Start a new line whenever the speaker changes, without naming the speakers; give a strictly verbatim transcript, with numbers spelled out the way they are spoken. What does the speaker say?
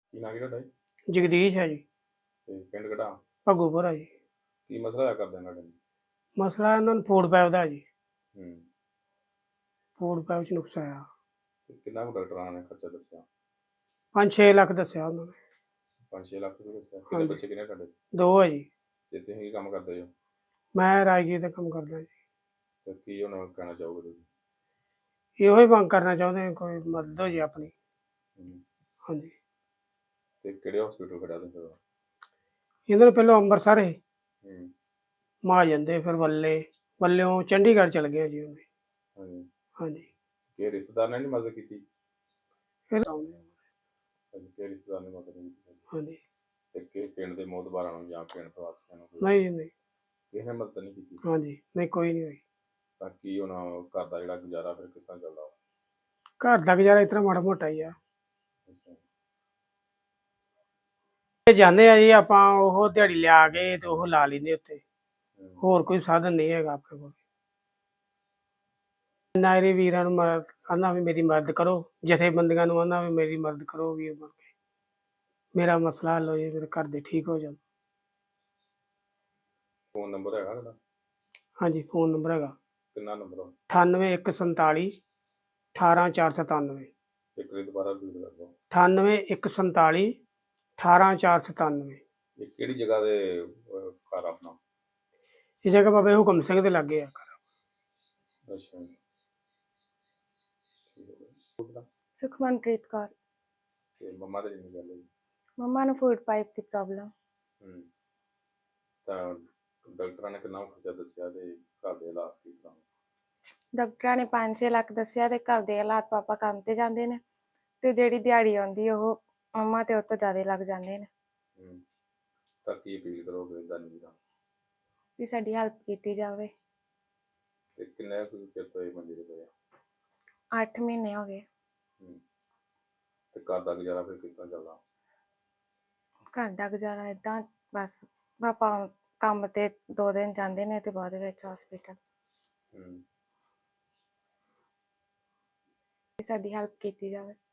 ਕੀ ਨਾਂ ਕੀ ਤੁਹਾਡਾ ਜੀ?
ਜਗਦੀਸ਼ ਹੈ ਜੀ।
ਤੇ ਪਿੰਡ ਕਿਹੜਾ?
ਭੱਗੂਪੁਰ ਆ ਜੀ।
ਕੀ ਮਸਲਾ ਹੋਇਆ ਕਰਦੇ ਤੁਹਾਡੇ ਨੂੰ?
ਮਸਲਾ ਇਹਨਾਂ ਨੂੰ ਫੂਡ ਪੈਪ ਦਾ ਜੀ।
ਹੂੰ।
ਫੂਡ ਪੈਪ 'ਚ ਨੁਕਸ ਆਇਆ।
ਤੇ ਕਿੰਨਾ ਕੁ ਡਾਕਟਰਾਂ ਨੇ ਖਰਚਾ ਦੱਸਿਆ?
ਪੰਜ ਛੇ ਲੱਖ ਦੱਸਿਆ ਉਹਨਾਂ ਨੇ।
ਪੰਜ ਛੇ ਲੱਖ ਰੁਪਏ ਦੱਸਿਆ। ਕਿੰਨੇ
ਹਾਂਜੀ।
ਬੱਚੇ ਕਿੰਨੇ ਤੁਹਾਡੇ?
ਦੋ ਆ ਜੀ।
ਤੇ ਤੁਸੀਂ ਕੀ ਕੰਮ ਕਰਦੇ ਹੋ?
ਮੈਂ ਰਾਜਗੀਰ ਦਾ ਕੰਮ ਕਰਦਾ ਜੀ।
ਤੇ ਕੀ ਹੁਣ ਕਹਿਣਾ ਚਾਹੋਗੇ ਤੁਸੀਂ?
ਇਹੋ ਹੀ ਮੰਗ ਕਰਨਾ ਚਾਹੁੰਦੇ ਹਾਂ, ਕੋਈ ਮਦਦ ਹੋ ਜੇ ਆਪਣੀ।
ਹੂੰ।
ਹਾਂਜੀ।
ਤੇ ਕਿਹੜੇ ਹਸਪੀਟਲ ਖੜਿਆ ਤੁਸੀਂ?
ਇਹਨਾਂ ਨੂੰ ਪਹਿਲਾਂ ਅੰਮ੍ਰਿਤਸਰ ਸੀ,
ਹੂੰ।
ਮਹਾਜਨ ਦੇ, ਫਿਰ ਵੱਲੇ, ਵੱਲਿਓਂ ਚੰਡੀਗੜ੍ਹ ਚਲ ਗਏ ਜੀ ਉਹਨੇ।
ਹਾਂਜੀ।
ਹਾਂਜੀ।
ਕਿ ਰਿਸ਼ਤੇਦਾਰ ਨੇ ਨਹੀਂ ਮਦਦ ਕੀਤੀ?
ਫਿਰ ਆਉਂਦੇ ਆ।
ਹਾਂਜੀ, ਕਿ ਰਿਸ਼ਤੇਦਾਰ ਨੇ ਮਦਦ ਨਹੀਂ ਕੀਤੀ?
ਹਾਂਜੀ।
ਤੇ ਕਿ ਪਿੰਡ ਦੇ ਮੋਹਤਬਾਰਾਂ ਨੂੰ ਜਾਂ ਪਿੰਡ ਵਾਸੀਆਂ ਨੂੰ ਕੋਈ
ਨਹੀਂ ਜੀ ਨਹੀਂ।
ਕਿਸੇ ਨੇ ਮਦਦ ਨਹੀਂ ਕੀਤੀ?
ਹਾਂਜੀ, ਨਹੀਂ ਕੋਈ ਨਹੀਂ ਹੋਈ।
ਤਾਂ ਕੀ ਹੁਣ ਘਰ ਦਾ ਜਿਹੜਾ ਗੁਜ਼ਾਰਾ ਫਿਰ ਕਿਸ ਤਰ੍ਹਾਂ ਚੱਲਦਾ?
ਘਰ ਦਾ ਗੁਜ਼ਾਰਾ ਇਸ ਤਰ੍ਹਾਂ ਮਾੜਾ ਮੋਟਾ ਹੀ ਆ।
ਅੱਛਾ।
ਤੇ ਜਾਂਦੇ ਆ ਜੀ ਆਪਾਂ, ਉਹ ਦਿਹਾੜੀ ਲਿਆ ਕੇ ਤੇ ਉਹ ਲਾ ਲੈਂਦੇ ਉੱਤੇ।
ਹੂੰ।
ਹੋਰ ਕੋਈ ਸਾਧਨ ਨਹੀਂ ਹੈਗਾ ਆਪਣੇ ਕੋਲ। ਨਾਇਰੇ ਵੀਰਾਂ ਨੂੰ ਮਦਦ ਕਹਿੰਦਾ ਵੀ ਮੇਰੀ ਮਦਦ ਕਰੋ, ਜਥੇਬੰਦੀਆਂ ਨੂੰ ਕਹਿੰਦਾ ਵੀ ਮੇਰੀ ਮਦਦ ਕਰੋ ਵੀਰ ਬਣ ਕੇ। ਮੇਰਾ ਮਸਲਾ ਹੱਲ ਹੋ ਜੇ, ਮੇਰੇ ਘਰ ਦੇ ਠੀਕ ਹੋ ਜਾਣ।
ਫੋਨ ਨੰਬਰ ਹੈਗਾ ਤੁਹਾਡਾ?
ਹਾਂਜੀ, ਫੋਨ ਨੰਬਰ ਹੈਗਾ
ਕਿੰਨਾ ਨੰਬਰ?
ਅਠਾਨਵੇਂ ਇੱਕ ਸੰਤਾਲੀ ਅਠਾਰਾਂ ਚਾਰ ਸਤਾਨਵੇਂ।
ਇੱਕ ਵਾਰੀ ਦੁਬਾਰਾ ਰਿਪੀਟ ਕਰ ਦਿਓ।
ਅਠਾਨਵੇਂ ਇੱਕ ਸੰਤਾਲੀ ਅਠਾਰਾਂ ਚਾਰ ਸਤਾਨਵੇਂ।
ਇਹ ਕਿਹੜੀ ਜਗ੍ਹਾ ਦੇ ਅਹ, ਘਰ ਆਪਣਾ?
ਇਹ ਜਗ੍ਹਾ ਬਾਬਾ ਹੁਕਮ ਸਿੰਘ ਦੇ ਲਾਗੇ ਆ ਘਰ।
ਅੱਛਾ ਜੀ। ਠੀਕ ਹੈ ਜੀ।
ਸੁਖਮਨਪ੍ਰੀਤ ਕੌਰ।
ਤੇ ਮੰਮਾ ਦੇ ਜਿੰਨੀ ਗੱਲ ਹੈ?
ਮੰਮਾ ਨੂੰ ਫੂਡ ਪਾਈਪ ਦੀ ਪ੍ਰੋਬਲਮ।
ਹੂੰ। ਤਾਂ ਡਾਕਟਰਾਂ ਨੇ ਕਿੰਨਾ ਕੁ ਖਰਚਾ ਦੱਸਿਆ ਤੇ ਘਰ ਦੇ ਇਲਾਜ ਕੀ ਕਰਾਉਣਾ?
ਡਾਕਟਰਾਂ ਨੇ ਪੰਜ ਛੇ ਲੱਖ ਦੱਸਿਆ ਤੇ ਘਰ ਦੇ ਹਾਲਾਤ, ਪਾਪਾ ਕੰਮ ਤੇ ਜਾਂਦੇ ਨੇ ਤੇ ਜਿਹੜੀ ਦਿਹਾੜੀ ਆਉਂਦੀ ਉਹ ਮੰਮਾ ਤੇ ਉਹ ਤੋਂ ਜ਼ਿਆਦਾ ਲੱਗ ਜਾਂਦੇ ਨੇ।
ਹੂੰ। ਤਾਂ ਕੀ ਅਪੀਲ ਕਰੋਗੇ ਇਦਾਂ ਨਹੀਂ ਦਾ?
ਵੀ ਸਾਡੀ ਹੈਲਪ ਕੀਤੀ ਜਾਵੇ।
ਤੇ ਕਿੰਨੇ ਕੁ ਚਿਰ ਤੋਂ ਇਹ ਮੰਜੇ ਤੇ ਪਏ ਆ?
ਅੱਠ ਮਹੀਨੇ ਹੋ ਗਏ।
ਹੂੰ। ਤੇ ਘਰ ਦਾ ਗੁਜ਼ਾਰਾ ਫਿਰ ਕਿਸ ਤਰ੍ਹਾਂ ਚੱਲਦਾ?
ਘਰ ਦਾ ਗੁਜ਼ਾਰਾ ਏਦਾਂ ਬਸ, ਪਾਪਾ ਕੰਮ ਤੇ ਦੋ ਦਿਨ ਜਾਂਦੇ ਨੇ ਤੇ ਬਾਅਦ ਵਿੱਚ ਹਸਪੀਟਲ।
ਹੂੰ।
ਸਾਡੀ ਹੈਲਪ ਕੀਤੀ ਜਾਵੇ।